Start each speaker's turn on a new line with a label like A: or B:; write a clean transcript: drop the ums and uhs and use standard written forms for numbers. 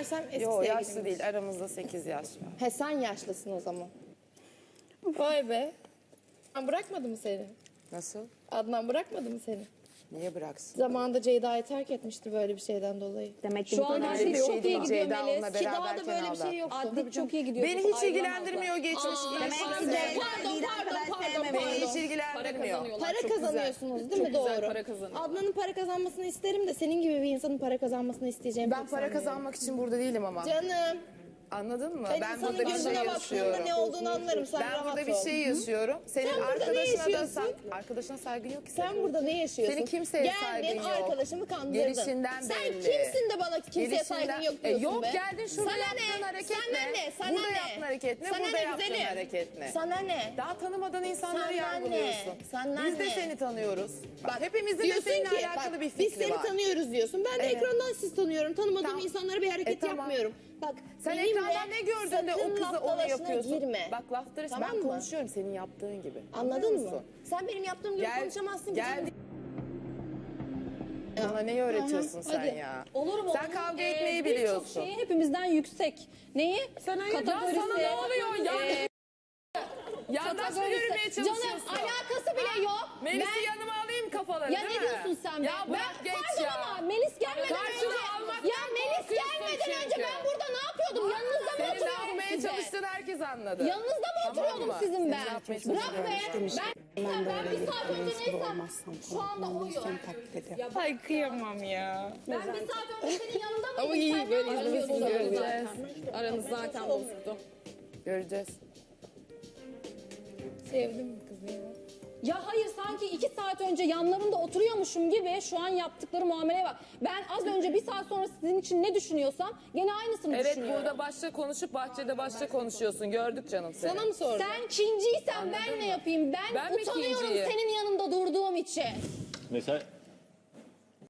A: meğersem eski
B: Yok
A: sevgiliymiş.
B: yaşlı değil, aramızda 8 yaş var.
A: He sen yaşlısın o zaman. Vay be. Adnan bırakmadı mı seni?
B: Nasıl?
A: Adnan bırakmadı mı seni?
B: Niye bıraksın?
A: Zamanında Ceyda'yı terk etmişti böyle bir şeyden dolayı.
C: Demek ki
D: Şu
C: bu
D: an
C: kadar
D: her
B: Öyle
D: şey
B: bir
D: çok
B: şey
D: iyi
B: değil.
D: gidiyor
B: Ceyda
D: Melis.
B: onunla
A: Ki daha da
B: beraberken
A: böyle bir
B: aldı.
A: şey yoktu.
D: Adli çok iyi gidiyor.
B: Beni hiç ilgilendirmiyor geçmiş.
C: Demek ki
A: Pardon,
C: Ceyda
A: pardon,
C: Didem
A: pardon,
C: kadar
A: pardon,
C: sevmemeyi.
B: Beni hiç
D: Para
B: ilgilendirmiyor.
D: kazanıyorlar.
A: Para
D: çok güzel.
A: kazanıyorsunuz değil mi?
D: Çok güzel
A: Doğru.
D: para kazanıyorlar.
A: Adnan'ın para kazanmasını isterim de senin gibi bir insanın para kazanmasını isteyeceğimi
B: Ben
A: pek
B: para
A: sanmıyorum.
B: kazanmak için burada değilim ama.
A: Canım.
B: Anladın mı?
A: Ben
B: Ben
A: insanın
B: burada bir şey
A: gözüne baktığında
B: yaşıyorum.
A: ne olduğunu anlarım. Sen
B: Ben
A: rahat
B: burada bir
A: ol.
B: şey yaşıyorum. Senin
A: Sen burada ne
B: arkadaşına da
A: yaşıyorsun?
B: arkadaşına saygın yok ki
A: Sen burada ne yaşıyorsun?
B: Senin kimseye saygın
A: Geldin
B: yok.
A: arkadaşımı kandırdın.
B: Gelişinden
A: Sen
B: belli.
A: kimsin de bana kimseye
B: Gelişinden-
A: saygın yok diyorsun
B: yok
A: be?
B: geldin şurada
A: Sana
B: yaptığın
A: ne?
B: hareket
A: Sana
B: ne?
A: ne? Sana
B: Burada
A: ne?
B: yaptığın hareket ne?
A: Sana
B: Burada
A: ne
B: yaptığın
A: güzelim?
B: hareket ne?
A: Sana ne?
B: Daha tanımadığın insanları
A: Senden
B: yargılıyorsun.
A: ne? Senden
B: Biz de
A: ne?
B: seni tanıyoruz. Bak,
A: Bak,
B: hepimizin de
A: diyorsun
B: seninle
A: ki,
B: alakalı
A: bak,
B: bir fikri
A: biz seni
B: var.
A: tanıyoruz diyorsun. Ben de
B: Evet.
A: ekrandan siz tanıyorum. Tanımadığım
B: Tamam.
A: insanlara bir hareket
B: Tamam.
A: yapmıyorum. Bak
B: Sen
A: benimle
B: ekrandan ne gördün de o
A: sakın
B: kızı
A: laf
B: onu
A: dalaşına
B: yapıyorsun.
A: girme.
B: Bak laf dalaşı
A: Tamam
B: ben
A: mı?
B: konuşuyorum senin yaptığın gibi.
A: Anladın
B: Anlıyor
A: mı?
B: musun?
A: Sen benim yaptığım gibi konuşamazsın ki.
B: Gel. Bana neyi öğretiyorsun sen
A: hadi.
B: ya?
D: Olur mu?
B: Sen kavga etmeyi
D: Birçok
B: biliyorsun.
D: şeyi hepimizden yüksek. Neyi? Kategorisi.
B: Ya sana ne oluyor ya? Yandaş mı yürümeye çalışıyorsun?
D: Canım alakası bile yok.
B: Melis'i yanıma alayım kafaları
D: Ya
B: değil
D: ne
B: mi?
D: diyorsun sen be?
B: Ya bırak geç
D: Pardon
B: ya.
D: ama Melis gelmeden
B: Karşına
D: önce.
B: almaktan
D: Ya Melis
B: korkuyorsun
D: gelmeden önce
B: çünkü.
D: ben burada ne yapıyordum? Yanınızda mı
B: Senin ne
D: oturuyordum
B: yapmaya
D: size?
B: çalıştığını herkes anladı.
D: Yanınızda mı
B: Tamam
D: oturuyordum
B: mı?
D: sizin
B: Senin
D: ben?
B: ne yapmaya
D: Bırak be.
B: çalıştığını
D: Ben bir saat önce neysem şu anda oyum.
A: Ay kıyamam ya.
D: Ben bir saat önce senin yanında mıydım?
A: Ama iyi,
D: Sen
A: böyle
D: ne yapıyordun
A: izlemesi
D: zaten?
A: Aranız zaten bozuldu.
B: Göreceğiz.
A: Sevdim mi kızı ya?
D: Ya hayır sanki 2 saat önce yanlarında oturuyormuşum gibi şu an yaptıkları muameleye bak. Ben az önce bir saat sonra sizin için ne düşünüyorsam gene aynısını
E: Evet
D: düşünüyorum.
E: burada başta konuşup bahçede başta konuşuyorsun. Gördük canım seni.
A: Sana mı sordum?
D: Sen kinciysen ben ne yapayım? Ben
E: Ben mi
D: utanıyorum
E: kinciyim?
D: senin yanında durduğum için.
F: Mesela